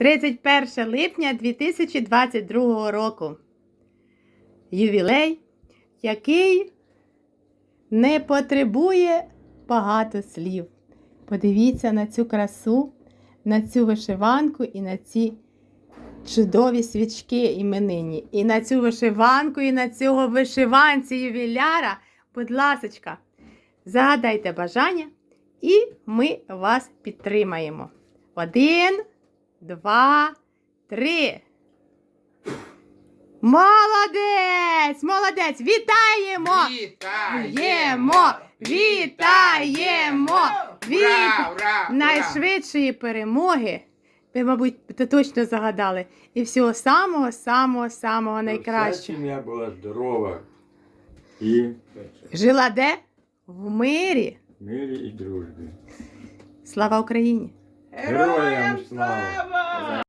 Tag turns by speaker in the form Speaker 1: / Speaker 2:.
Speaker 1: 31 липня 2022 року. Ювілей, який не потребує багато слів. Подивіться на цю красу, на цю вишиванку і на ці чудові свічки іменинні. І на цю вишиванку, і на цього вишиванці ювіляра. Будь ласочка, загадайте бажання, і ми вас підтримаємо. 1, 2, 3. Молодець! Молодець! Вітаємо!
Speaker 2: Вітаємо!
Speaker 1: Вітаємо!
Speaker 2: Ура!
Speaker 1: Найшвидшої перемоги! Ви, мабуть, точно загадали. І всього самого найкращого.
Speaker 3: Сім'я була здорова і
Speaker 1: Жила де? В мирі.
Speaker 3: в мирі і дружбі.
Speaker 1: Слава Україні!
Speaker 3: Героям слава!